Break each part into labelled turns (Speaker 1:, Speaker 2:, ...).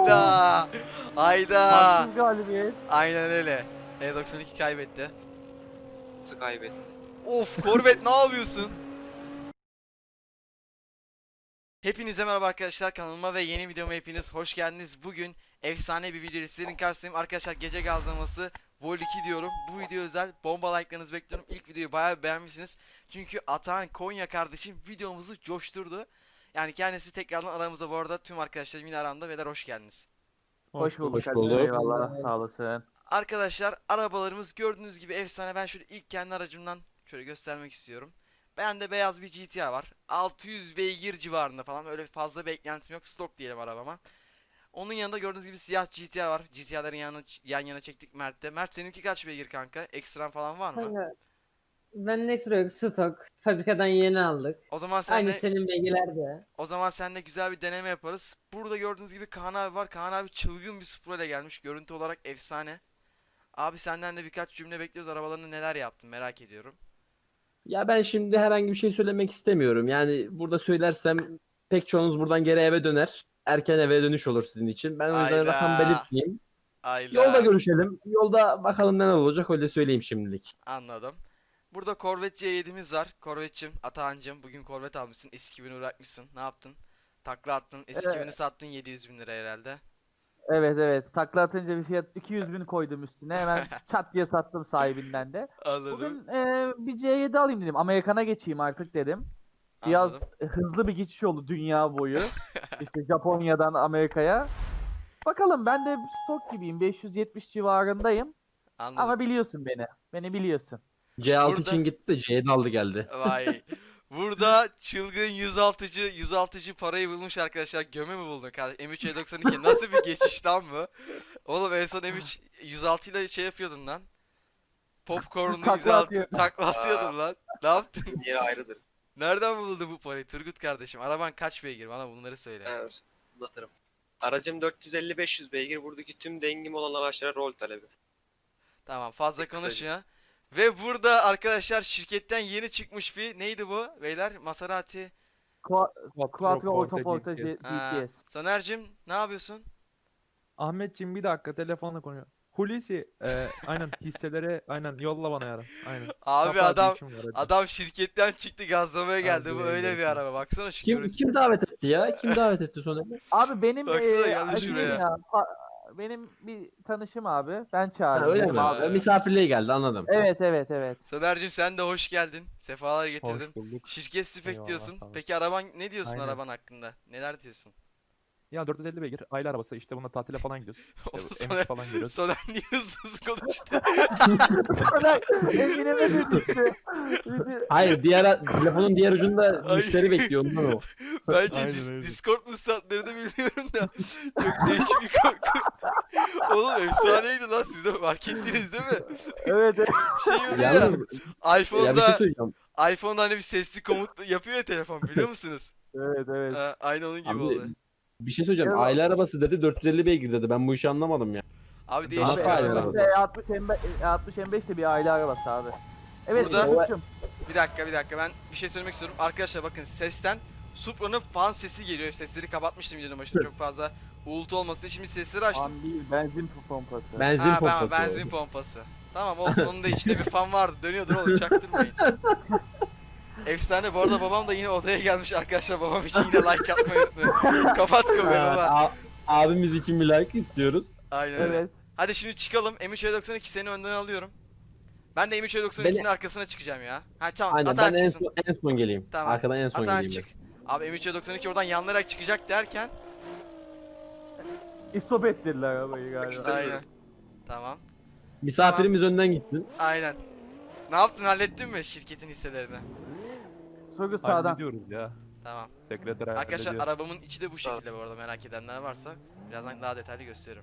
Speaker 1: Hayda. Hayda.
Speaker 2: Haksız galibiyet.
Speaker 1: Aynen öyle. E92 kaybetti.
Speaker 3: Nasıl kaybetti?
Speaker 1: Of Corvette ne yapıyorsun? Hepinize merhaba arkadaşlar, kanalıma ve yeni videoma hepiniz hoş geldiniz. Bugün efsane bir video ile sizlerin karşısındayım. Arkadaşlar gece gazlaması Vol 2 diyorum. Bu video özel, bomba like'larınızı bekliyorum. İlk videoyu bayağı beğenmişsiniz. Çünkü Atahan Konya kardeşim videomuzu coşturdu. Yani kendisi tekrardan aramızda, bu arada tüm arkadaşlarım yine aramda. Beyler hoş geldiniz.
Speaker 2: Hoş bulduk.
Speaker 4: Hoş
Speaker 2: Hadi
Speaker 4: bulduk.
Speaker 2: Eyvallah. Sağ olasın.
Speaker 1: Arkadaşlar arabalarımız gördüğünüz gibi efsane. Ben şöyle ilk kendi aracımdan şöyle göstermek istiyorum. Bende beyaz bir GTR var. 600 beygir civarında falan. Öyle fazla beklentim yok. Stok diyelim arabama. Onun yanında gördüğünüz gibi siyah GTR var. GTR'ların yan yana çektik Mert'te. Mert seninki kaç beygir kanka? Ekstran falan var mı?
Speaker 5: Kanka, ben ne sürüyor? Stok. Fabrikadan yeni aldık.
Speaker 1: O zaman
Speaker 5: Aynı
Speaker 1: senle
Speaker 5: senin bilgiler de.
Speaker 1: güzel bir deneme yaparız. Burada gördüğünüz gibi Kaan abi var. Kaan abi çılgın bir Supra ile gelmiş. Görüntü olarak efsane. Abi senden de birkaç cümle bekliyoruz. Arabalarında neler yaptın merak ediyorum.
Speaker 4: Ya ben şimdi herhangi bir şey söylemek istemiyorum. Yani burada söylersem pek çoğunuz buradan geri eve döner. Erken eve dönüş olur sizin için. Ben o yüzden
Speaker 1: Ayda.
Speaker 4: rakam belirtmeyeyim.
Speaker 1: Ayda.
Speaker 4: Yolda görüşelim. Yolda bakalım neler olacak, öyle söyleyeyim şimdilik.
Speaker 1: Anladım. Burada Corvette C7'miz var. Corvette'cim, Atahan'cım bugün Corvette almışsın. S2000'i bırakmışsın. Ne yaptın? Takla attın. S2000'i sattın 700 bin lira herhalde.
Speaker 2: Evet. Takla atınca bir fiyat 200.000 koydum üstüne. Hemen çat diye sattım sahibinden de.
Speaker 1: Anladım.
Speaker 2: Bugün bir C7 alayım dedim. Amerikan'a geçeyim artık dedim. Biraz
Speaker 1: Anladım.
Speaker 2: hızlı bir geçiş oldu dünya boyu. İşte Japonya'dan Amerika'ya. Bakalım, ben de stok gibiyim. 570 civarındayım.
Speaker 1: Anladım.
Speaker 2: Ama biliyorsun beni. Beni biliyorsun.
Speaker 4: C6
Speaker 1: Burada-
Speaker 4: için gitti de C7 aldı geldi.
Speaker 1: Vay. Burada çılgın 106'cı parayı bulmuş arkadaşlar. Göme mi buldun kardeşim? M3 E92 nasıl bir geçiş lan bu? Oğlum en son M3 106 ile şey yapıyordun lan. Popcorn'lu
Speaker 2: Takla
Speaker 1: 106
Speaker 2: atıyordun.
Speaker 1: takla atıyordun lan. Ne yaptın?
Speaker 3: Yeri ayrıdır.
Speaker 1: Nereden buldun bu parayı Turgut kardeşim? Araban kaç beygir? Bana bunları söyle.
Speaker 3: Ben anlatırım. Aracım 450-500 beygir. Buradaki tüm dengim olan araçlara rol talebi.
Speaker 1: Tamam, fazla
Speaker 3: Kısaca.
Speaker 1: konuşma. Ve burada arkadaşlar şirketten yeni çıkmış bir neydi bu beyler? Maserati.
Speaker 2: Quattro Autoporta
Speaker 1: Ha,
Speaker 2: GTS.
Speaker 1: Soner'cim ne yapıyorsun?
Speaker 6: Ahmetciğim bir dakika telefonla konuyor. Hulusi aynen hisselere aynen yolla bana yarın. Aynen.
Speaker 1: Abi
Speaker 6: Kapat,
Speaker 1: adam
Speaker 6: işim var, hadi.
Speaker 1: adam şirketten çıktı gazlamaya geldi. Bu
Speaker 6: Hadi
Speaker 1: öyle bir
Speaker 6: görüşürüz.
Speaker 1: araba. Baksana şu
Speaker 4: Kim
Speaker 1: görüntü.
Speaker 4: kim davet etti ya? Kim davet etti sonra?
Speaker 2: Abi benim
Speaker 1: Baksana geldi
Speaker 2: şeyim
Speaker 1: şuraya.
Speaker 2: ya, benim bir tanışım abi. Ben
Speaker 4: Ha,
Speaker 2: çağırdım.
Speaker 4: öyle
Speaker 2: dedim
Speaker 4: mi?
Speaker 2: abi.
Speaker 4: Misafirliğe geldi, anladım.
Speaker 2: Evet.
Speaker 1: Soner'cim sen de hoş geldin. Sefalar getirdin.
Speaker 6: Hoş bulduk.
Speaker 1: Şirket spek
Speaker 6: Eyvallah,
Speaker 1: diyorsun.
Speaker 6: sağ ol.
Speaker 1: Peki araban ne diyorsun
Speaker 6: Aynen.
Speaker 1: araban hakkında? Neler diyorsun?
Speaker 6: Ya 450 beygir aile arabası işte bununla tatile falan gidiyoruz.
Speaker 1: Oğlum
Speaker 6: İşte
Speaker 1: Soner,
Speaker 6: M3 falan geliyoruz.
Speaker 1: Soner niye hızlı konuştu?
Speaker 2: Eminime de çıktı.
Speaker 4: Hayır, telefonun diğer ucunda
Speaker 1: Ay.
Speaker 4: müşteri bekliyor ondan o.
Speaker 1: Bence
Speaker 6: Aynen öyle.
Speaker 1: Discord müsatlarını bilmiyorum da çok değişik bir korku. Oğlum efsaneydi lan, siz de fark ettiniz değil mi?
Speaker 2: Evet.
Speaker 1: Şey oluyor ya,
Speaker 4: Yalnız ya bir şey
Speaker 1: iPhone'da
Speaker 4: söyleyeceğim.
Speaker 1: hani bir sesli komut yapıyor ya telefon, biliyor musunuz?
Speaker 2: Evet.
Speaker 1: Aynı onun gibi
Speaker 4: Abi,
Speaker 1: oldu.
Speaker 4: bir şey söyleyeceğim.
Speaker 2: Evet.
Speaker 4: Aile arabası dedi, 450 beygir dedi. Ben bu işi anlamadım ya.
Speaker 1: Abi
Speaker 2: Abi
Speaker 1: değişik bir
Speaker 4: Nasıl aile
Speaker 1: araba.
Speaker 4: arabası?
Speaker 2: E60 M5 de bir aile arabası abi. Evet
Speaker 1: Burada-
Speaker 2: Yusuf'cum.
Speaker 1: Bir dakika ben bir şey söylemek istiyorum. Arkadaşlar bakın, sesten Supra'nın fan sesi geliyor. Sesleri kapatmıştım videonun başında çok fazla uğultu olmasın. Şimdi sesleri açtım.
Speaker 2: Fan değil, benzin pompası.
Speaker 4: Benzin
Speaker 1: Ha,
Speaker 4: pompası.
Speaker 1: benzin pompası. Tamam olsun, onun da içinde bir fan vardı. Dönüyordur oğlum, çaktırmayın. Efsane, bu arada babam da yine odaya gelmiş arkadaşlar. Babam için yine like atmayı unutmayın. Kapat kamerayı baba.
Speaker 4: Abimiz için bir like istiyoruz.
Speaker 1: Aynen öyle.
Speaker 2: Evet.
Speaker 1: Hadi şimdi çıkalım. M3 E92 seni önden alıyorum. Ben de M3 E92'nin arkasına çıkacağım ya. Ha tamam,
Speaker 4: Aynen,
Speaker 1: Atahan
Speaker 4: ben en
Speaker 1: çıksın.
Speaker 4: son geleyim.
Speaker 1: Tamam.
Speaker 4: Arkadan en son
Speaker 1: Atahan
Speaker 4: geleyim
Speaker 1: çık. Abi M3 E92 oradan yanlayarak çıkacak derken.
Speaker 2: İstop ettirdiler arabayı galiba.
Speaker 1: Aynen. Tamam.
Speaker 4: Misafirimiz önden gitsin.
Speaker 1: Aynen. Ne yaptın, hallettin mi şirketin hisselerini?
Speaker 2: Sürgü sağdan.
Speaker 6: Hallediyoruz ya.
Speaker 1: Tamam.
Speaker 6: Sekreter
Speaker 1: Arkadaşlar
Speaker 6: hallediyor.
Speaker 1: arabamın içi de bu
Speaker 3: Sağ ol.
Speaker 1: şekilde bu arada, merak edenler varsa. Birazdan daha detaylı gösteririm.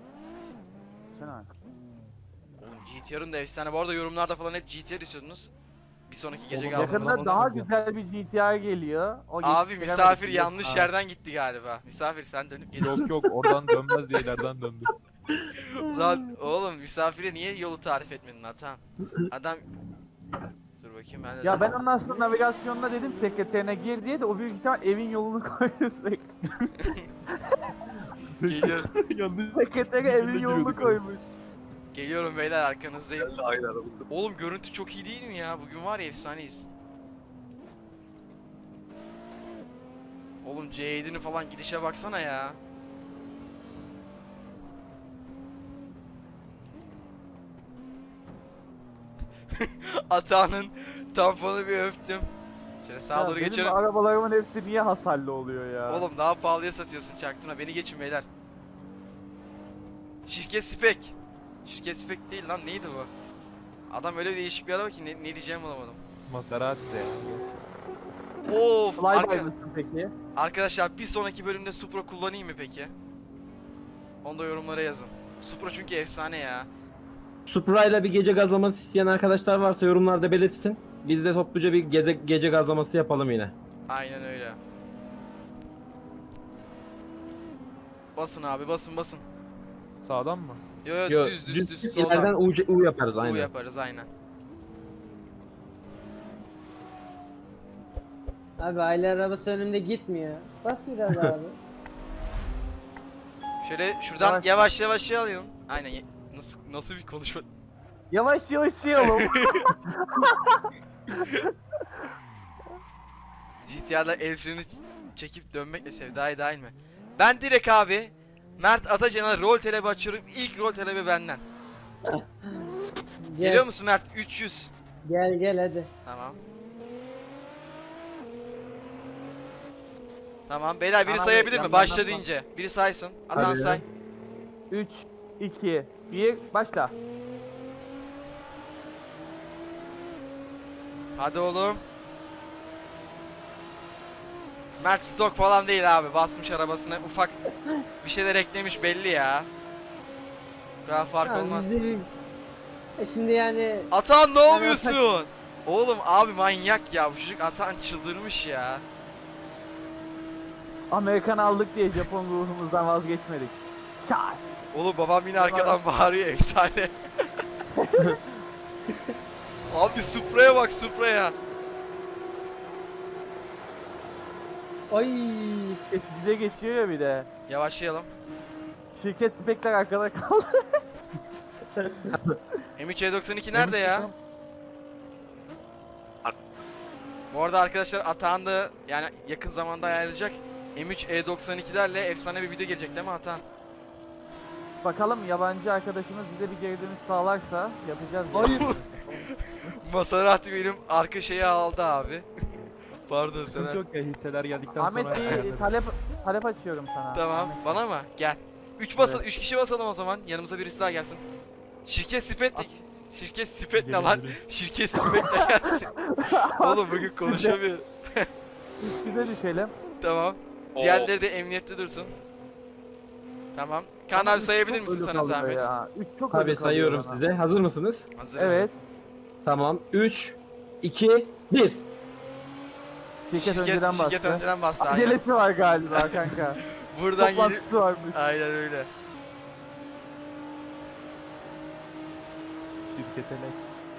Speaker 1: Oğlum GTR'ın da efsane. Bu arada yorumlarda falan hep GTR istiyordunuz. Bir sonraki gece
Speaker 6: Oğlum,
Speaker 1: gazlaması.
Speaker 2: Yakında daha güzel bir GTR geliyor. O
Speaker 1: Abi
Speaker 2: geçiştiremedik
Speaker 1: misafir
Speaker 2: biz.
Speaker 1: yanlış
Speaker 2: Ha.
Speaker 1: yerden gitti galiba. Misafir sen dönüp gelirsin.
Speaker 6: Yok oradan dönmez diye ileriden döndü.
Speaker 1: Lan oğlum, misafire niye yolu tarif etmedin Atan? Adam... Dur bakayım ben de...
Speaker 2: Ya ben onun aslında navigasyonuna dedim sekreterine gir diye de o büyük ihtimal evin yolunu koydu sürekli.
Speaker 1: Geliyorum.
Speaker 6: Yanlış.
Speaker 2: Sekreteri evin yolunu
Speaker 6: giriyorduk.
Speaker 2: koymuş.
Speaker 1: Geliyorum beyler, arkanızdayım.
Speaker 3: Geldi aynı aramızda.
Speaker 1: Oğlum görüntü çok iyi değil mi ya? Bugün var ya efsaneyiz. Oğlum C7'nin falan gidişe baksana ya. Atağının tamponu bir öptüm. Şöyle sağa
Speaker 2: Ya
Speaker 1: doğru
Speaker 2: benim
Speaker 1: geçelim.
Speaker 2: arabalarımın hepsi niye hasarlı oluyor ya?
Speaker 1: Oğlum daha pahalıya satıyorsun, çaktırma. Beni geçin beyler. Şirket Spek. Şirket Spek değil lan, neydi bu? Adam öyle bir değişik bir araba ki ne diyeceğimi bulamadım.
Speaker 6: Maserati.
Speaker 1: Of
Speaker 2: Flyby mısın peki?
Speaker 1: arkadaşlar, bir sonraki bölümde Supra kullanayım mı peki? Onu da yorumlara yazın. Supra çünkü efsane ya.
Speaker 4: Supra'yla bir gece gazlaması isteyen arkadaşlar varsa yorumlarda belirtsin. Biz de topluca bir gece gazlaması yapalım yine.
Speaker 1: Aynen öyle. Basın abi, basın.
Speaker 6: Sağdan mı?
Speaker 1: Yo yo,
Speaker 4: Yo,
Speaker 1: düz
Speaker 4: ileriden
Speaker 1: soldan.
Speaker 4: U yaparız
Speaker 1: Bu
Speaker 4: aynen.
Speaker 1: yaparız aynen.
Speaker 5: Abi aile arabası önümde gitmiyor. Bas biraz abi.
Speaker 1: Şöyle şuradan
Speaker 2: Yavaş.
Speaker 1: yavaş alayım. Aynen. Nasıl bir konuşma?
Speaker 2: Yavaş yayalım.
Speaker 1: GTA'da el freni çekip dönmekle sevdaya dahil mi? Ben direkt abi Mert Atacan'a rol talebi açıyorum. İlk rol talebi benden. Geliyor musun Mert? 300.
Speaker 5: Gel hadi.
Speaker 1: Tamam. Tamam beyler, biri
Speaker 2: Tamam,
Speaker 1: sayabilir mi?
Speaker 2: yandan
Speaker 1: Başla
Speaker 2: atma.
Speaker 1: deyince. Biri saysın. Atan
Speaker 4: Hadi.
Speaker 1: say.
Speaker 2: 3, 2, 1, başla.
Speaker 1: Hadi oğlum. Mert stok falan değil abi. Basmış arabasına. Ufak bir şeyler eklemiş belli ya. Bu kadar fark
Speaker 5: Tamam,
Speaker 1: olmaz.
Speaker 5: Şimdi yani
Speaker 1: Atan ne
Speaker 5: Yani
Speaker 1: yapıyorsun? Oğlum abi manyak ya. Bu çocuk Atan çıldırmış ya.
Speaker 2: Amerikan aldık diye Japon ruhumuzdan vazgeçmedik. Çat.
Speaker 1: Oğlum babam yine arkadan bağırıyor, efsane. Abi Supra'ya bak, Supra'ya.
Speaker 5: ay
Speaker 2: Kesicide geçiyor ya bir de.
Speaker 1: Yavaşlayalım.
Speaker 2: Şirket spekler arkada kaldı.
Speaker 1: M3 E92 nerede ya? Bu arada arkadaşlar Atahan da yani yakın zamanda ayarlayacak M3 E92'lerle efsane bir video gelecek değil mi Atahan?
Speaker 2: Bakalım yabancı arkadaşımız bize bir geri dönüş sağlarsa yapacağız.
Speaker 1: Hayır. Maserati benim arka şeyi aldı abi. Pardon
Speaker 6: Sıkıntı
Speaker 1: sana.
Speaker 6: yok ya, hisseler geldikten
Speaker 2: Ahmet
Speaker 6: sonra
Speaker 2: bir
Speaker 6: ayarlarız.
Speaker 2: talep açıyorum sana.
Speaker 1: Tamam,
Speaker 2: Ahmet.
Speaker 1: bana mı? Gel. 3 kişi basalım o zaman. Yanımıza birisi daha gelsin. Şirket Spet ne lan? Şirket Spet de gelsin. Oğlum bugün konuşamıyorum.
Speaker 2: Bize düşelim.
Speaker 1: Tamam.
Speaker 3: Oo.
Speaker 1: Diğerleri de emniyette dursun. Tamam. Kaan abi sayabilir misin sana zahmet?
Speaker 2: 3 çok
Speaker 4: Tabii
Speaker 2: ölü kalıyor
Speaker 4: sayıyorum
Speaker 2: bana.
Speaker 4: size. Hazır mısınız?
Speaker 1: Hazırız.
Speaker 2: Evet.
Speaker 4: Tamam. 3, 2, 1.
Speaker 2: Şirket önceden bastı.
Speaker 1: Şirket önceden bastı. Aynen.
Speaker 2: Acelesi var galiba kanka.
Speaker 1: Buradan gelip...
Speaker 2: Toplantısı varmış.
Speaker 1: Aynen öyle.
Speaker 6: Şirkete lek.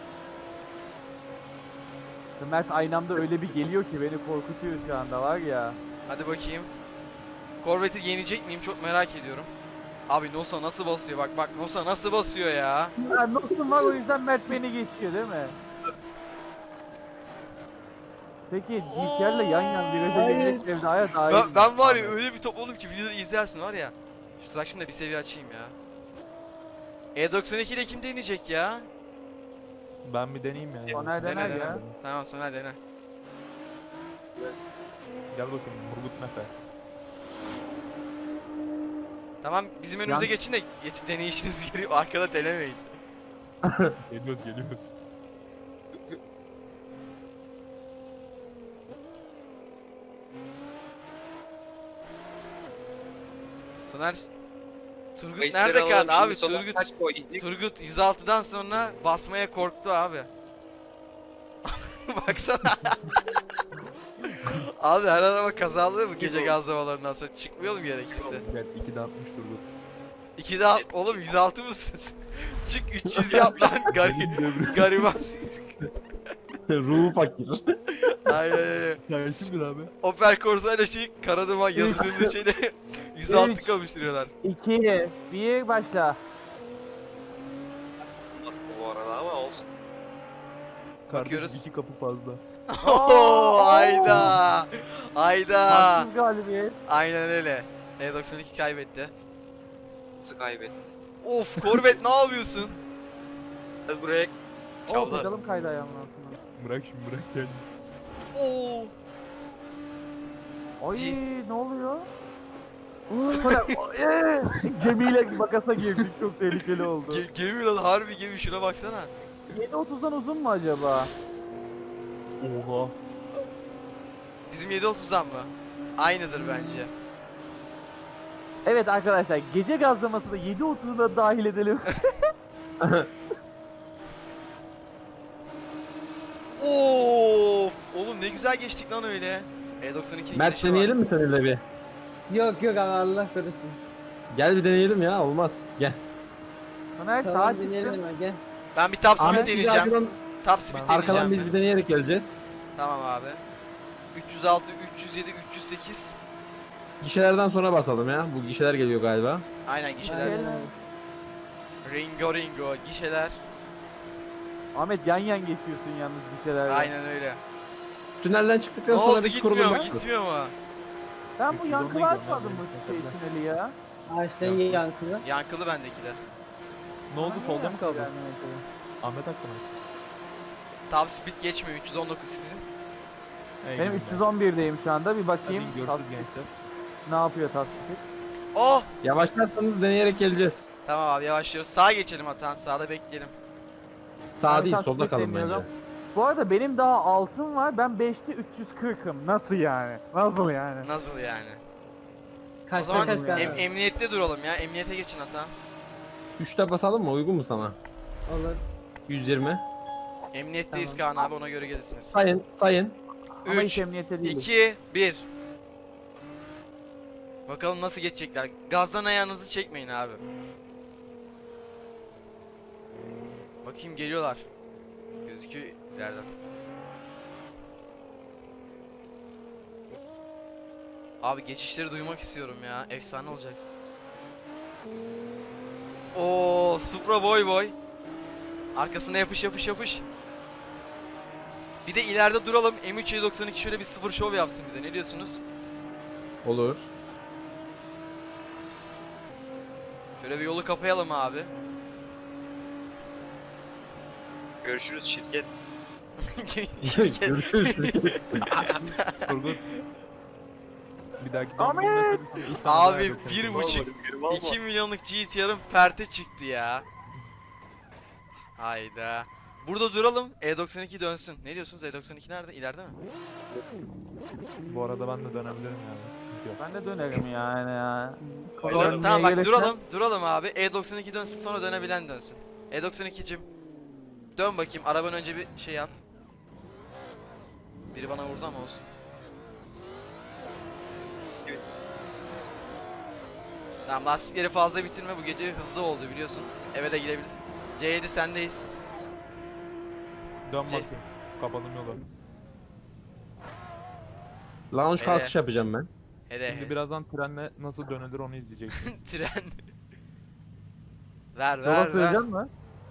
Speaker 2: Mert aynı anda öyle bir geliyor ki beni korkutuyor şu anda var ya.
Speaker 1: Hadi bakayım. Corvette'i yenecek miyim? Çok merak ediyorum. Abi Nosa nasıl basıyor? Bak Nosa nasıl basıyor ya?
Speaker 2: Ya notum var o yüzden Mert beni geçiyor değil mi? Peki GTR'le yan yan viraja girmek sevdaya dair.
Speaker 1: Ben var ya öyle bir topladım ki videoları izlersin var ya. Şu Traction da bir seviye açayım ya. E92 ile kim deneyecek ya?
Speaker 6: Ben bir deneyeyim ya.
Speaker 2: Soner dener ya.
Speaker 1: Tamam sonra dene.
Speaker 6: Gel bakayım Murgut Mefe.
Speaker 1: Tamam bizim önümüze
Speaker 2: Yan-
Speaker 1: geçin de deneyişinizi göreyim, arkada denemeyin.
Speaker 6: Geliyoruz.
Speaker 1: Soner Turgut
Speaker 3: Kayısıları
Speaker 1: nerede
Speaker 3: alalım
Speaker 1: kaldı
Speaker 3: şimdi.
Speaker 1: abi?
Speaker 3: Sonra kaç koyduk?
Speaker 1: Turgut 106'dan sonra basmaya korktu abi. Baksana. Abi her araba kazalı mı gece gazlamalarından sonra? Çıkmayalım gerekirse.
Speaker 6: Gel 2'de 60 Turgut.
Speaker 1: 2'de oğlum 106 mısınız? Çık 300 yap lan gariban.
Speaker 4: Ruhu fakir.
Speaker 1: Aynen.
Speaker 6: Ya kimdir abi?
Speaker 1: Opel Corsa ile şey Karaduman yazılımında şeyle 106
Speaker 2: Üç.
Speaker 1: kavuşturuyorlar.
Speaker 2: 2, 1 başla.
Speaker 3: Bastı bu arada ama olsun.
Speaker 1: Bakıyoruz.
Speaker 6: Kardeşim 2 kapı fazla.
Speaker 1: Oo, ayda. Ayda.
Speaker 2: Haksız galibiyet.
Speaker 1: Aynen öyle. E92 kaybetti.
Speaker 3: Nasıl kaybetti?
Speaker 1: Of Corvette ne yapıyorsun?
Speaker 3: Hadi buraya
Speaker 2: Oh
Speaker 3: çavdar.
Speaker 2: bakalım kaydı ayağımın altına.
Speaker 6: Bırak şimdi bırak gel.
Speaker 1: Oo.
Speaker 2: Ay
Speaker 1: Ci-
Speaker 2: ne oluyor? Sonra gemiyle makasa girdik, çok tehlikeli oldu.
Speaker 1: Gemi lan, harbi gemi, şuna baksana.
Speaker 2: 7.30'dan uzun mu acaba?
Speaker 6: Oha.
Speaker 1: Bizim 7.30'dan mı? Aynıdır bence.
Speaker 2: Evet arkadaşlar, gece gazlamasını 7.30'da dahil edelim.
Speaker 1: Of! Oğlum ne güzel geçtik lan öyle. E92'nin
Speaker 4: Mert
Speaker 1: gelişi var.
Speaker 4: deneyelim mi seninle bir?
Speaker 5: Yok yok abi Allah korusun.
Speaker 4: Gel bir deneyelim ya olmaz. Gel.
Speaker 2: Soner sağa
Speaker 5: Tamam dinleyelim
Speaker 2: çıktı.
Speaker 5: hemen gel.
Speaker 1: Ben bir top speed
Speaker 4: Ahmet bizi
Speaker 1: deneyeceğim.
Speaker 4: arkadan,
Speaker 1: Top speed
Speaker 4: arkadan
Speaker 1: deneyeceğim
Speaker 4: biz
Speaker 1: ben.
Speaker 4: bir deneyerek geleceğiz.
Speaker 1: Tamam abi. 306, 307, 308.
Speaker 4: Gişelerden sonra basalım ya. Bu gişeler geliyor galiba.
Speaker 1: Aynen gişeler.
Speaker 2: Aynen.
Speaker 1: Ringo ringo gişeler.
Speaker 2: Ahmet yan yan geçiyorsun yalnız bir şeyler.
Speaker 1: Aynen öyle.
Speaker 4: Tünelden
Speaker 1: Ne
Speaker 4: çıktıktan sonra
Speaker 1: oldu,
Speaker 4: biz
Speaker 1: gitmiyor mu?
Speaker 4: kurulum.
Speaker 1: Gitmiyor mu?
Speaker 2: Ben bu
Speaker 6: 310'a
Speaker 2: yankılı
Speaker 6: gidiyorum
Speaker 2: açmadım
Speaker 6: ben
Speaker 2: bu
Speaker 6: de.
Speaker 2: tüneli ya.
Speaker 5: Ağaçtan yankılı.
Speaker 1: Yankılı bendeki de.
Speaker 6: Ne oldu,
Speaker 2: Bana
Speaker 6: solda
Speaker 2: niye
Speaker 6: mı kaldı?
Speaker 2: yankı gelmiyor?
Speaker 6: Ahmet hakkı mı?
Speaker 1: Top speed geçmiyor. 319 sizin.
Speaker 6: Ey
Speaker 2: Benim
Speaker 6: günler.
Speaker 2: 311'deyim şu anda, bir
Speaker 6: Hadi
Speaker 2: bakayım.
Speaker 6: görüşürüz
Speaker 2: Tasdik
Speaker 6: gençler.
Speaker 2: ne yapıyor tasdik?
Speaker 1: Oh!
Speaker 4: Yavaşlarsanız deneyerek geleceğiz.
Speaker 1: Tamam abi yavaşlıyoruz. Sağa geçelim Atan. Sağda bekleyelim.
Speaker 4: Sağ
Speaker 2: Ben
Speaker 4: değil
Speaker 2: tasdik
Speaker 4: solda kalın bence.
Speaker 2: demiyorum. Bu arada benim daha altın var. Ben 5'te 340'ım. Nasıl yani? Nasıl yani?
Speaker 1: Nasıl yani? O
Speaker 5: Kaçta
Speaker 1: zaman
Speaker 5: kaç galiba.
Speaker 1: emniyette duralım ya. Emniyete geçin Atan.
Speaker 4: 3'te basalım mı? Uygun mu sana?
Speaker 5: Olur.
Speaker 4: 120.
Speaker 1: Emniyetteyiz Kaan abi, ona göre gelirsiniz.
Speaker 4: Sayın, sayın.
Speaker 2: Ama
Speaker 1: 3,
Speaker 2: hiç emniyete değiliz.
Speaker 1: 2, 1. Bakalım nasıl geçecekler. Gazdan ayağınızı çekmeyin abi. Bakayım geliyorlar. Gözüküyor ileriden. Abi geçişleri duymak istiyorum ya. Efsane olacak. Oo, Supra boy boy. Arkasına yapış yapış yapış. Bir de ileride duralım. M392 şöyle bir sıfır şov yapsın bize. Ne diyorsunuz?
Speaker 4: Olur.
Speaker 1: Şöyle bir yolu kapayalım abi.
Speaker 3: Görüşürüz şirket.
Speaker 1: Şirket.
Speaker 4: Görüşürüz.
Speaker 6: Turgut. Bir dahaki
Speaker 2: Ahmet!
Speaker 6: dönemde servisini ilk tane
Speaker 1: Abi
Speaker 6: daha
Speaker 1: bir
Speaker 6: yapacağım.
Speaker 1: buçuk,
Speaker 3: Rüzgarım alma.
Speaker 1: 2 milyonluk GTR'ın perte çıktı ya. Hayda. Burada duralım. E92 dönsün. Ne diyorsunuz? E92 nerede? İleride mi?
Speaker 6: Bu arada ben de dönebilirim yani. Sıkıntı yok.
Speaker 2: Ben de dönerim yani ya.
Speaker 3: Oynarım.
Speaker 1: Tamam bak
Speaker 2: Gelirse-
Speaker 1: duralım abi. E92 dönsün, sonra dönebilen dönsün. E92'cim dön bakayım. Araban önce bir şey yap. Biri bana vurdu ama olsun. Tamam, lastikleri fazla bitirme, bu gece hızlı oldu biliyorsun. Eve de gidebiliriz. C7 sendeyiz.
Speaker 6: Dön bakayım. Kapadım yolu.
Speaker 4: Lounge
Speaker 1: Hele.
Speaker 4: kalkış yapacağım ben.
Speaker 1: Hele
Speaker 6: Şimdi birazdan trenle nasıl dönülür onu izleyeceksin.
Speaker 1: tren. Ver
Speaker 2: Yola
Speaker 1: ver ver.
Speaker 2: söyleyeceğim mi?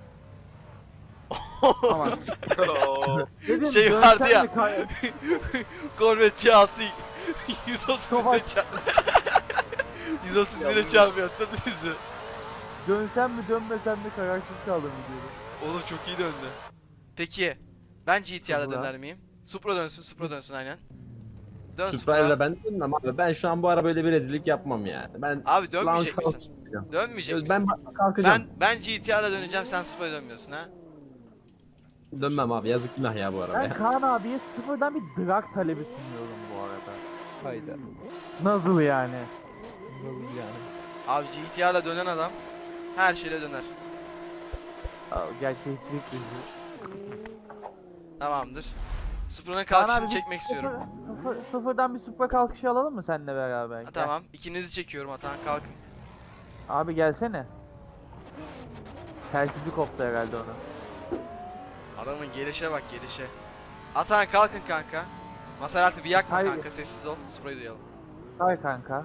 Speaker 2: Tamam.
Speaker 3: Oo.
Speaker 2: Dedim,
Speaker 1: Şey
Speaker 2: dönsen
Speaker 1: vardı ya.
Speaker 2: mi kay-
Speaker 1: Corvette C6 130 lira
Speaker 2: Savaş.
Speaker 1: çarp. 130 lira çarpıyor, atladınız mı?
Speaker 2: Dönsem mi dönmesem mi kararsız kaldım diyorum.
Speaker 1: Oğlum çok iyi döndü. Peki ben GTR'da
Speaker 2: Supra.
Speaker 1: döner miyim? Supra dönsün, Supra dönsün aynen. Dön
Speaker 4: Supra'yla
Speaker 1: Supra.
Speaker 4: ben dönmem abi. Ben şu an bu ara böyle bir rezillik yapmam yani. Ben
Speaker 1: Abi
Speaker 4: lounge
Speaker 1: dönmeyecek
Speaker 4: kalkış
Speaker 1: misin?
Speaker 4: yapacağım.
Speaker 1: Dönmeyecek
Speaker 4: Ben
Speaker 1: misin?
Speaker 4: kalkacağım.
Speaker 1: Ben GTR'da döneceğim, sen Supra'ya dönmüyorsun ha?
Speaker 4: Dönmem abi. Yazık günah ya bu arada.
Speaker 2: Ben Kaan abiye sıfırdan bir drag talebi sunuyorum bu arada.
Speaker 6: Hayda.
Speaker 2: Nasıl yani?
Speaker 6: Nasıl yani?
Speaker 1: Abi GTR'da dönen adam her şeyle döner.
Speaker 2: Gerçeklik bizi.
Speaker 1: Tamamdır. Supra'nın
Speaker 2: Kaan
Speaker 1: kalkışını
Speaker 2: abi,
Speaker 1: çekmek istiyorum.
Speaker 2: Sıfırdan bir supra kalkışı alalım mı seninle beraber?
Speaker 1: Ha,
Speaker 2: Gel.
Speaker 1: tamam, ikinizi çekiyorum Atan, kalkın.
Speaker 2: Abi gelsene. Telsizi koptu herhalde onun.
Speaker 1: Adamın gelişe bak, gelişe. Atan kalkın kanka. Maserati bir yakma
Speaker 2: Hayır.
Speaker 1: kanka, sessiz ol. Supra'yı duyalım.
Speaker 2: Hay kanka.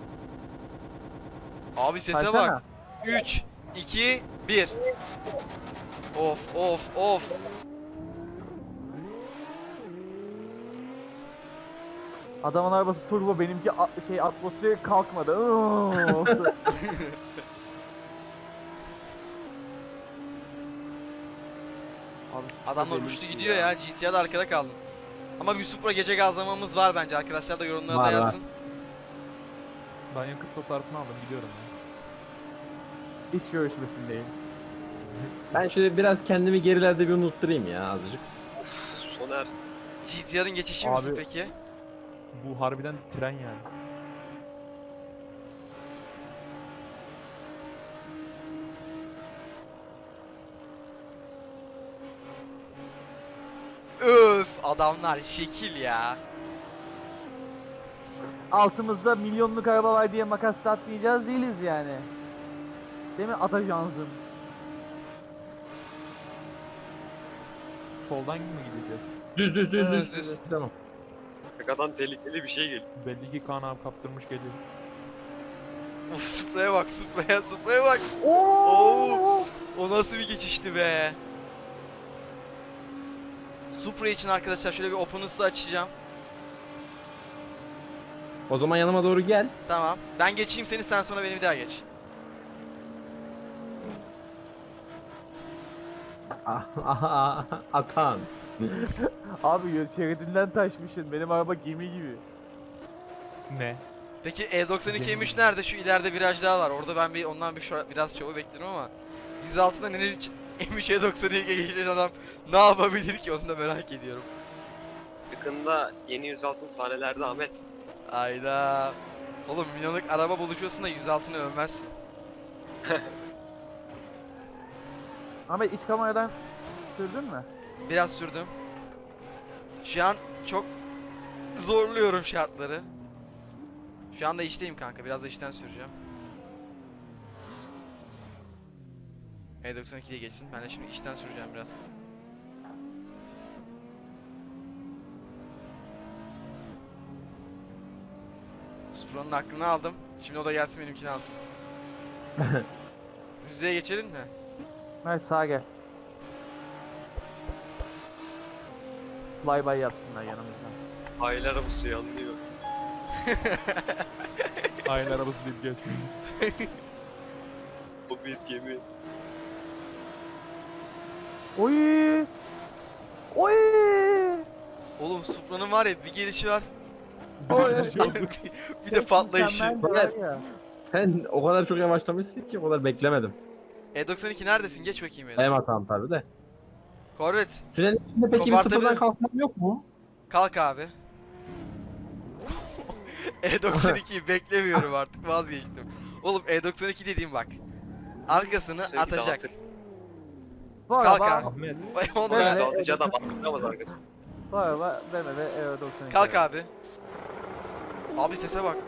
Speaker 1: Abi sese
Speaker 2: Saysana.
Speaker 1: bak. 3, 2, 1. Of of of.
Speaker 2: Adamın arabası turbo, benimki atmosferi kalkmadı. Abi,
Speaker 1: Adamlar
Speaker 2: deli
Speaker 1: uçtu
Speaker 2: bir
Speaker 1: gidiyor ya. GTA'da arkada kaldın. Ama bir Supra gece gazlamamız var bence. Arkadaşlar da yorumlara
Speaker 4: Var,
Speaker 1: da
Speaker 4: var.
Speaker 1: yazsın.
Speaker 6: Ben yakıt tasarrufunu aldım gidiyorum ya.
Speaker 2: İş görüşmesindeyim.
Speaker 4: Ben şöyle biraz kendimi gerilerde bir unutturayım ya azıcık.
Speaker 3: Uf, Soner.
Speaker 1: GTR'ın geçişi
Speaker 6: Abi-
Speaker 1: misin peki?
Speaker 6: Bu harbiden tren yani.
Speaker 1: Öf, adamlar şekil ya.
Speaker 2: Altımızda milyonluk araba var diye makas atmayacağız değiliz yani. Değil mi Atacansın?
Speaker 6: Soldan mı gideceğiz?
Speaker 1: Düz.
Speaker 4: Tamam.
Speaker 3: Arkadan tehlikeli bir şey geliyor.
Speaker 6: Belli ki Kaan abi kaptırmış geliyor.
Speaker 1: Of, Supra'ya bak, Supra'ya bak.
Speaker 2: Oo!
Speaker 1: O nasıl bir geçişti be. Supra için arkadaşlar şöyle bir open ısı açacağım.
Speaker 4: O zaman yanıma doğru gel.
Speaker 1: Tamam. Ben geçeyim seni, sen sonra beni bir daha geç.
Speaker 4: Atan.
Speaker 2: Abi yol şeridinden taşmışsın. Benim araba gemi gibi.
Speaker 6: Ne?
Speaker 1: Peki E92 M3 nerede? Şu ileride viraj daha var. Orada ben ondan biraz şovu bekliyorum ama 106'dan M3 E92'ye geçen adam ne yapabilir ki, onu da merak ediyorum.
Speaker 3: Yakında yeni 106 sahnelerde Ahmet.
Speaker 1: Ayda. Oğlum milyonluk araba buluşuyorsun da 106'ını övmezsin.
Speaker 2: Ahmet iç kameradan sürdün mü?
Speaker 1: Biraz sürdüm. Şu an çok zorluyorum şartları. Şu anda işteyim kanka. Biraz da işten süreceğim. E92'ye geçsin. Ben de şimdi işten süreceğim biraz. Supra'nın aklını aldım. Şimdi o da gelsin benimkini alsın. Düzlüğe geçelim mi?
Speaker 2: Hayır sağa gel. Flyby yapsınlar yanımızdan.
Speaker 3: Aile arabası yanlıyor.
Speaker 6: Aynı arabası deyip geçmiyor.
Speaker 3: O bir gemi.
Speaker 2: Oy! Oy!
Speaker 1: Oğlum Supra'nın var ya bir gelişi var.
Speaker 2: Oy!
Speaker 1: Bir de patlayışı.
Speaker 2: Mükemmel var ya.
Speaker 4: Sen o kadar çok yavaşlamışsın ki o kadar beklemedim.
Speaker 1: E92 neredesin? Geç bakayım ya.
Speaker 4: Benim hatam tabii de.
Speaker 1: Corvette
Speaker 4: Tünelin içinde peki bir
Speaker 1: Kopartabilir-
Speaker 4: sıfırdan kalkmam yok mu?
Speaker 1: kalk abi. E92'yi beklemiyorum artık, vazgeçtim. Oğlum E92 dediğim bak. Arkasını
Speaker 3: Sevgili
Speaker 1: atacak.
Speaker 3: dağıtır.
Speaker 2: Bu
Speaker 1: Kalk
Speaker 2: araba,
Speaker 1: abi.
Speaker 6: Ahmet.
Speaker 1: Vay onu
Speaker 2: Evet.
Speaker 1: ben-
Speaker 3: 106 adam atlayamaz arkası.
Speaker 2: bu araba BMW E92.
Speaker 1: Kalk abi. Abi sese bak.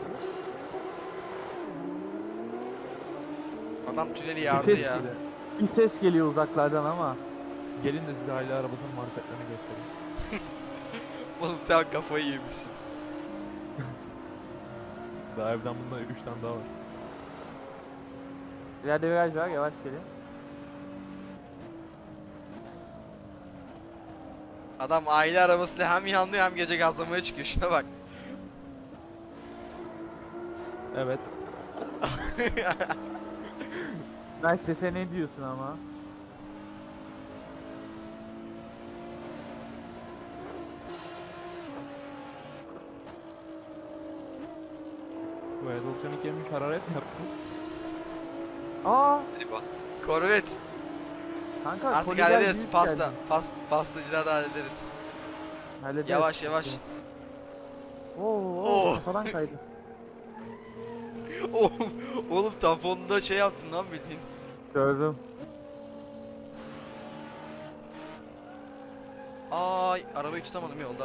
Speaker 1: Adam tüneli
Speaker 2: Bir
Speaker 1: yardı
Speaker 2: ses,
Speaker 1: ya.
Speaker 2: bir ses geliyor uzaklardan ama.
Speaker 6: Gelin de size aile arabasının marifetlerini göstereyim.
Speaker 1: Oğlum sen kafayı yemişsin.
Speaker 6: Daha evden bunda 3 tane daha var.
Speaker 2: İleride viraj var, yavaş gelin.
Speaker 1: Adam aile arabasıyla hem yanlıyor hem gece gazlamaya çıkıyor. Şuna bak.
Speaker 6: Evet.
Speaker 2: Belki sese ne diyorsun ama?
Speaker 6: Bu E92 yemiş hararet mi yaptı?
Speaker 2: Aa!
Speaker 3: Hadi bak.
Speaker 1: Corvette.
Speaker 2: Kanka
Speaker 1: Artık
Speaker 2: koliler
Speaker 1: hallederiz.
Speaker 2: büyük
Speaker 1: Pasta.
Speaker 2: geldi.
Speaker 1: Pastacıda da hallederiz.
Speaker 2: Hallederiz.
Speaker 1: Yavaş yavaş.
Speaker 2: Oo,
Speaker 1: Oo.
Speaker 2: kafadan kaydı.
Speaker 1: Oğlum tamponunda şey yaptın lan bildiğin.
Speaker 2: Gördüm.
Speaker 1: Ay arabayı tutamadım yolda.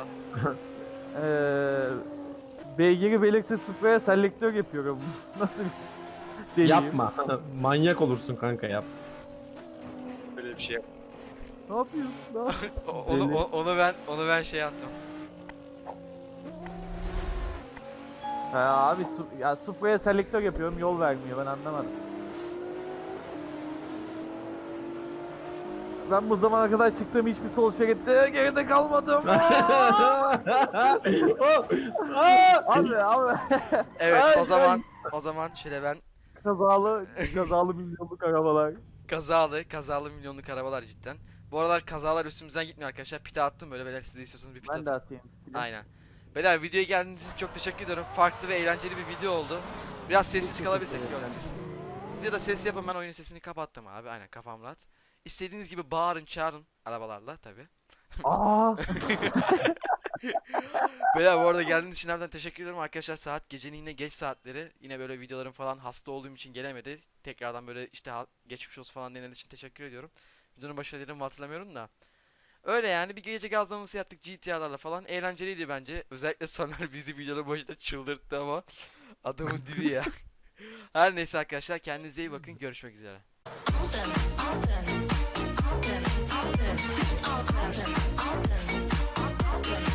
Speaker 2: Beygiri belirsiz Supra'ya selektör yapıyorum. Nasıl bir deliyim?
Speaker 4: Yapma. Manyak olursun kanka yap.
Speaker 3: Böyle bir şey yap.
Speaker 2: Ne yapıyorsun? Ne yapıyorsun?
Speaker 1: Onu ben şey yaptım.
Speaker 2: Abi ya Supra'ya selektör yapıyorum, yol vermiyor, ben anlamadım. Ben bu zamana kadar çıktığım hiçbir sol şeritte geride kalmadım. Abi
Speaker 1: Evet,
Speaker 2: Ay,
Speaker 1: o zaman şöyle ben
Speaker 2: kazalı milyonluk arabalar.
Speaker 1: kazalı milyonluk arabalar cidden. Bu aralar kazalar üstümüzden gitmiyor arkadaşlar. Pite attım böyle, beyler siz de istiyorsanız bir pite
Speaker 2: Ben de
Speaker 1: atın.
Speaker 2: atayım.
Speaker 1: Aynen. Beyler videoya geldiğiniz için çok teşekkür ederim. Farklı ve eğlenceli bir video oldu. Biraz sessiz
Speaker 2: Çok
Speaker 1: kalabilirsek.
Speaker 2: teşekkür
Speaker 1: Yok,
Speaker 2: ederim.
Speaker 1: siz ya da ses yapın, ben oyunun sesini kapattım abi. Aynen, kafam rahat. İstediğiniz gibi bağırın çağırın arabalarla tabi.
Speaker 2: Aa,
Speaker 1: Beyler bu arada geldiğiniz için nereden teşekkür ederim arkadaşlar. Saat gecenin yine geç saatleri. Yine böyle videolarım falan, hasta olduğum için gelemedi. Tekrardan böyle işte geçmiş olsun falan denildiği için teşekkür ediyorum. Videonun başına dedim mi hatırlamıyorum da. Öyle yani, bir gece gazlaması yaptık GTA'larla falan. Eğlenceliydi bence. Özellikle Soner bizi videonun başında çıldırttı ama adamın dibi ya. Her neyse arkadaşlar, kendinize iyi bakın. Görüşmek üzere.
Speaker 7: All done, all done.